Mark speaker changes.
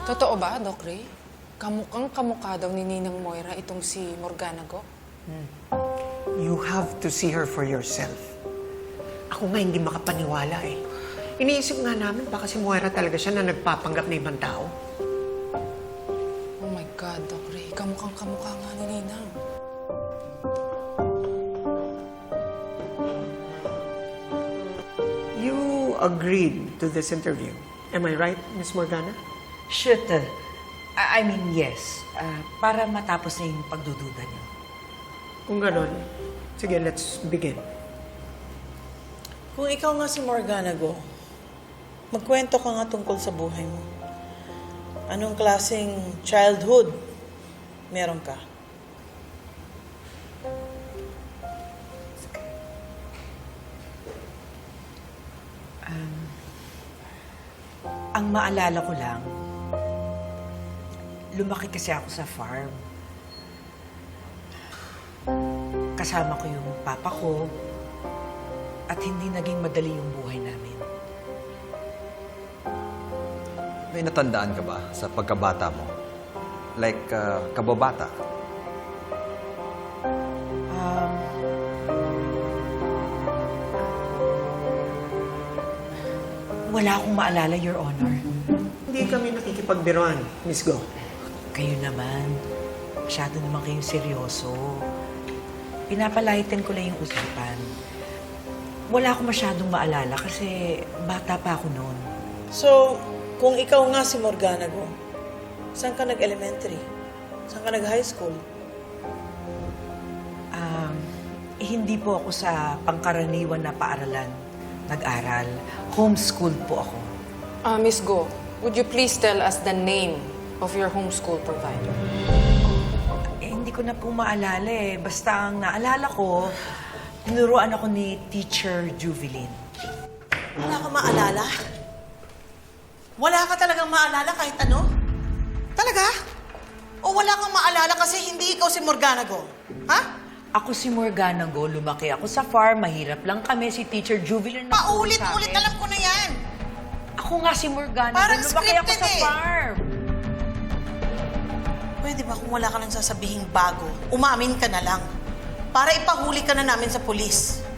Speaker 1: Totoo ba, Doc Ray? Kamukhang kamukha daw ni Ninang Moira itong si Morganago?
Speaker 2: You have to see her for yourself. Ako nga hindi makapaniwala eh. Iniisip nga namin baka si Moira talaga siya na nagpapanggap na ibang tao.
Speaker 1: Oh my God, Doc Ray. Kamukhang kamukha nga ni Ninang.
Speaker 2: You agreed to this interview. Am I right, Miss Morgana?
Speaker 3: Shoot. I mean, yes. Para matapos na yung pagdududa niyo.
Speaker 2: Kung ganon, sige, let's begin.
Speaker 4: Kung ikaw nga si Morganago, magkwento ka nga tungkol sa buhay mo. Anong klaseng childhood meron ka?
Speaker 3: Ang maalala ko lang, lumaki kasi ako sa farm. Kasama ko yung papa ko at hindi naging madali yung buhay namin.
Speaker 5: May natandaan ka ba sa pagkabata mo? Like, kababata?
Speaker 3: Wala akong maalala, Your Honor.
Speaker 2: Hindi kami nakikipagbiruan, Miss Go.
Speaker 3: Kayo naman, masyado naman kayong seryoso. Pinapalahitan ko lang yung usapan. Wala akong masyadong maalala kasi bata pa ako noon.
Speaker 4: So, kung ikaw nga si Morganago, saan ka nag-elementary? Saan ka nag-high school?
Speaker 3: Hindi po ako sa pangkaraniwan na paaralan nag-aral. Homeschooled po ako.
Speaker 1: Miss Go, would you please tell us the name of your homeschool provider?
Speaker 3: Hindi ko na po maalala eh. Basta ang naalala ko, tinuruan ako ni Teacher Juvelin.
Speaker 4: Wala ka maalala? Wala ka talagang maalala kahit ano? Talaga? O wala kang maalala kasi hindi ikaw si Morganago? Ha?
Speaker 3: Ako si Morganago, lumaki ako sa farm, mahirap lang kami, si Teacher Juvelin na
Speaker 4: Paulit-ulit, alam ko na yan!
Speaker 3: Ako nga si Morganago,
Speaker 4: Parang
Speaker 3: lumaki ako
Speaker 4: scripted
Speaker 3: sa
Speaker 4: eh.
Speaker 3: farm.
Speaker 4: Pwede ba kung wala ka nang sasabihing bago, umamin ka na lang para ipahuli ka na namin sa pulis?